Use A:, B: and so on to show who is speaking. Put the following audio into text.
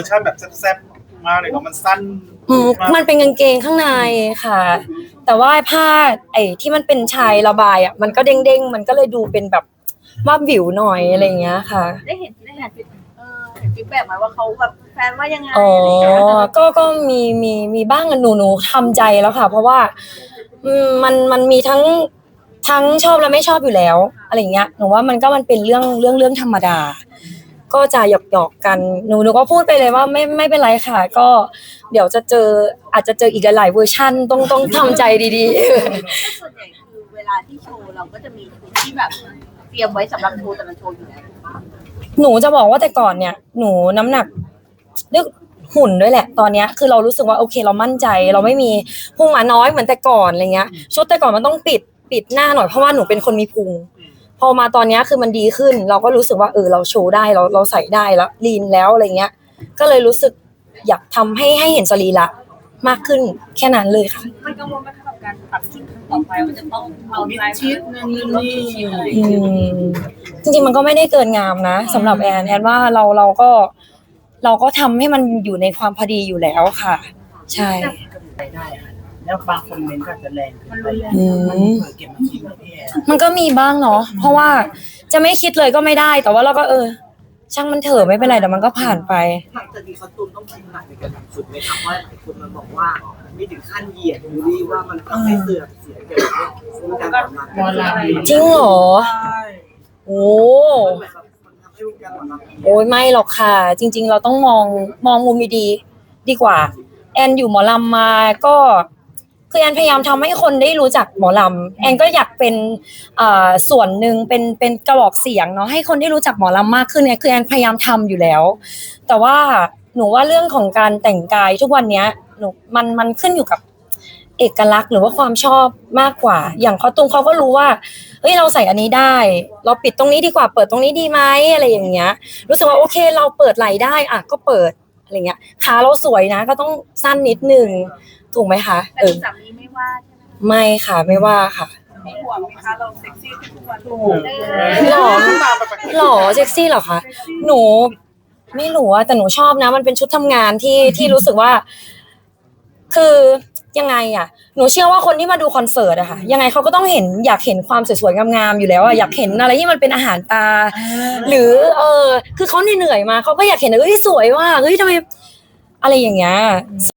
A: ชั่นแบบแซ่บๆมากเลยเนาะมันสั้น
B: มันเป็นกางเกงข้างในค่ะ แต่ว่าผ้าไอ้ที่มันเป็นชายระบายอ่ะมันก็เด้งๆมันก็เลยดูเป็นแบบว่าวิวหน่อยอะไรอย่างเงี้ยค่ะ
C: เห็นฟีดแบ็กมาว่าเขาแบบแฟนว่ายังไง
B: อ๋อ
C: อะไรอย่างเงี้ย
B: ก็มีบ้างอะหนูทำใจแล้วค่ะเพราะว่ามันมีทั้งชอบและไม่ชอบอยู่แล้วอะไรอย่างเงี้ยหนูว่ามันเป็นเรื่องธรรมดาก็จะหยอกกันหนูก็พูดไปเลยว่าไม่เป็นไรค่ะก็เดี๋ยวจะอาจจะเจออีกหลายๆเวอร์ชันต้องทำใจดีๆ
C: ส่วนใหญ่คือเวลาที่โชว์เราก็จะมีชุดที่แบบเตรียมไว้สำหรับโชว์แต่ละโชว์อยู่แล้ว
B: หนูจะบอกว่าแต่ก่อนเนี่ยหนูน้ำหนักเรื่องหุ่นด้วยแหละตอนเนี้ยคือเรารู้สึกว่าโอเคเรามั่นใจเราไม่มีพุงหมาน้อยเหมือนแต่ก่อนอะไรเงี้ยชุดแต่ก่อนมันต้องปิดหน้าหน่อยเพราะว่าหนูเป็นคนมีพุงพอมาตอนเนี้ยคือมันดีขึ้นเราก็รู้สึกว่าเราโชว์ได้เราใส่ได้แล้วลีนแล้วอะไรเงี้ยก็เลยรู้สึกอยากทำให้เห็นสรีระมากขึ้นแค่นั้นเลยค่ะ
C: มันกังวลไหมคะกับการตัดชุดครั้งต่อไปมันจะต้องเอาใจชิดนั่นนี่อะไร
B: จริงๆมันก็ไม่ได้เกินงามนะสำหรับแอนว่าเราก็ทำให้มันอยู่ในความพอดีอยู่แล้วค่ะใช่
D: ได้แล้วบางคอมเมนต์ก็จะแรงเกินไปมันเก็บมาคิดแบบพี่แอน
B: มันก็มีบ้างเนาะเพราะว่าจะไม่คิดเลยก็ไม่ได้แต่ว่าเราก็ช่างมันเถอะไม่เป็นไรเดี๋ยวมันก็ผ่านไป
D: หลังจากนี้เขาตูนต้องคิดหนักในการทำชุดไหมครับว่าหลายคนมันบอกว่าไม่ถึงขั้นเหยียดบูลลี่ว่ามันทำให้เสื่อมเสียเกี่ยวกับการทำงาน
B: จริงเหรอโอ้โอ้ยไม่หรอกค่ะจริงๆเราต้องมองมุมดีกว่าแอนอยู่หมอลำมาก็คือแอนพยายามทำให้คนได้รู้จักหมอลำแอนก็อยากเป็นส่วนหนึ่งเป็นกระบอกเสียงเนาะให้คนได้รู้จักหมอลำมากขึ้นเนี่ยคือแอนพยายามทำอยู่แล้วแต่ว่าหนูว่าเรื่องของการแต่งกายทุกวันเนี้ยหนูมันขึ้นอยู่กับเอกลักษณ์หรือว่าความชอบมากกว่าอย่างคอตุงเขาก็รู้ว่าเฮ้ยเราใส่อันนี้ได้เราปิดตรงนี้ดีกว่าเปิดตรงนี้ดีไหมอะไรอย่างเงี้ยรู้สึกว่าโอเคเราเปิดไหล่ได้อ่ะก็เปิดอะไรเงี้ยขาเราสวยนะก็ต้องสั้นนิดนึงถูกไหมคะ
C: แต่สามีไม่ว่าใช่ไหม
B: ไม่ค่ะไม่ว่าค่ะ
C: มีห่วงไหมคะเราเซ็กซี่ทุกวัน
B: หล่อเซ็กซี่เหรอคะหนูไม่รู้อะแต่หนูชอบนะมันเป็นชุดทำงานที่รู้สึกว่าคือยังไงอะหนูเชื่อว่าคนที่มาดูคอนเสิร์ตอะค่ะยังไงเขาก็ต้องอยากเห็นความสวยๆงามๆอยู่แล้วอะอยากเห็นอะไรที่มันเป็นอาหารตาหรือคือเขาเหนื่อยมาเขาก็อยากเห็นเฮ้ยสวยว่ะเฮ้ยทำไมอะไรอย่างเงี้ย